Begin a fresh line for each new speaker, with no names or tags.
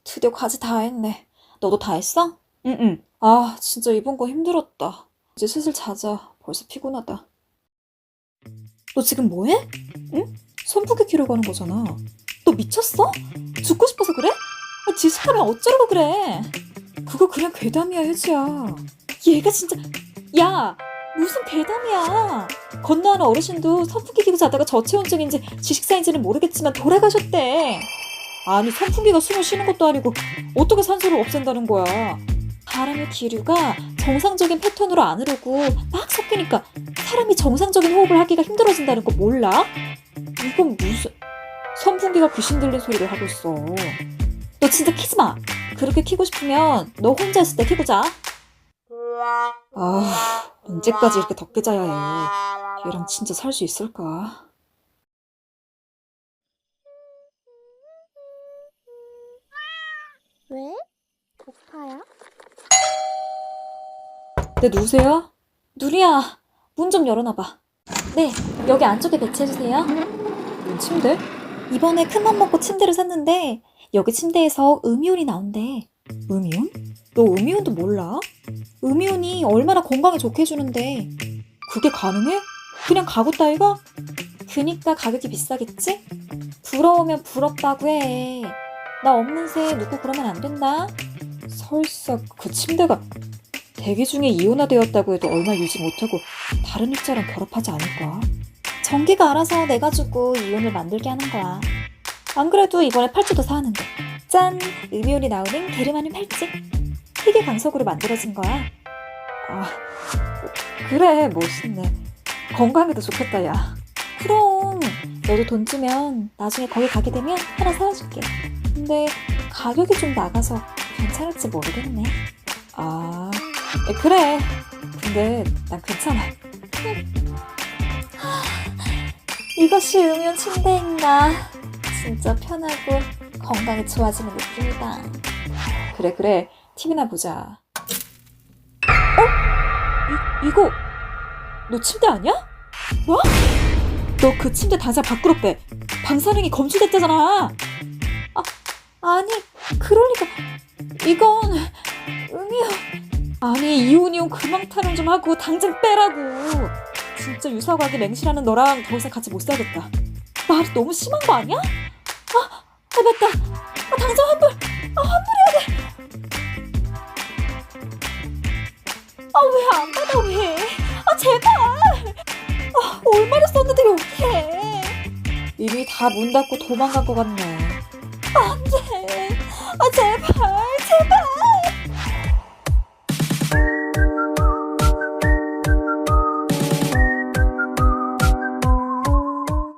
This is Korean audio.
드디어 과제 다 했네. 너도 다 했어? 응응. 아, 진짜 이번 거 힘들었다. 이제 슬슬 자자. 벌써 피곤하다. 너 지금 뭐해? 응? 선풍기 키러 가는 거잖아. 너 미쳤어? 죽고 싶어서 그래? 아, 지식하면 어쩌려고 그래? 그거 그냥 괴담이야, 혜지야. 얘가 진짜... 야! 무슨 괴담이야. 건너하는 어르신도 선풍기 키고 자다가 저체온증인지 지식사인지는 모르겠지만 돌아가셨대. 아니, 선풍기가 숨을 쉬는 것도 아니고 어떻게 산소를 없앤다는 거야. 바람의 기류가 정상적인 패턴으로 안 흐르고 막 섞이니까 사람이 정상적인 호흡을 하기가 힘들어진다는 거 몰라? 이건 무슨... 선풍기가 귀신 들린 소리를 하고 있어. 너 진짜 키지 마. 그렇게 키고 싶으면 너 혼자 있을 때 키고 자. 아, 언제까지 이렇게 덥게 자야 해. 얘랑 진짜 살 수 있을까?
왜? 고파요?
네, 누구세요? 누리야, 문 좀 열어놔봐. 네, 여기 안쪽에 배치해주세요. 침대? 이번에 큰맘 먹고 침대를 샀는데 여기 침대에서 음이온이 나온대. 음이온? 너 음이온도 몰라? 음이온이 얼마나 건강에 좋게 해주는데 그게 가능해? 그냥 가구 따위가? 그니까 가격이 비싸겠지? 부러우면 부럽다고 해. 나 없는 새 누구 그러면 안 된다. 설사 그 침대가 대기 중에 이온화되었다고 해도 얼마 유지 못하고 다른 입자랑 결합하지 않을까? 전기가 알아서 내가지고 이온을 만들게 하는 거야. 안 그래도 이번에 팔찌도 사왔는데 짠! 음이온이 나오는 게르마늄 팔찌. 희귀 강석으로 만들어진 거야. 아, 그래, 멋있네. 건강에도 좋겠다, 야. 그럼 너도 돈 주면 나중에 거기 가게 되면 하나 사와줄게. 근데 가격이 좀 나가서 괜찮을지 모르겠네. 아, 그래. 근데 난 괜찮아. 이것이 음이온 침대인가. 진짜 편하고 건강이 좋아지는 느낌이다. 그래. TV나 보자. 이거 너 침대 아니야? 뭐? 너 그 침대 당장 밖으로 빼. 방사능이 검출됐다잖아. 아니, 그럴 리가. 이건 음이온. 아니, 이온 그만 타령 좀 하고 당장 빼라고. 진짜 유사과학에 맹신하는 너랑 더 이상 같이 못 살겠다. 말이 너무 심한 거 아니야? 맞다. 당장 환불. 환불해야 돼. 왜 안 받아, 왜? 제발. 얼마나 썼는데 여기에. 이미 다 문 닫고 도망간 것 같네. 안 돼. 제발.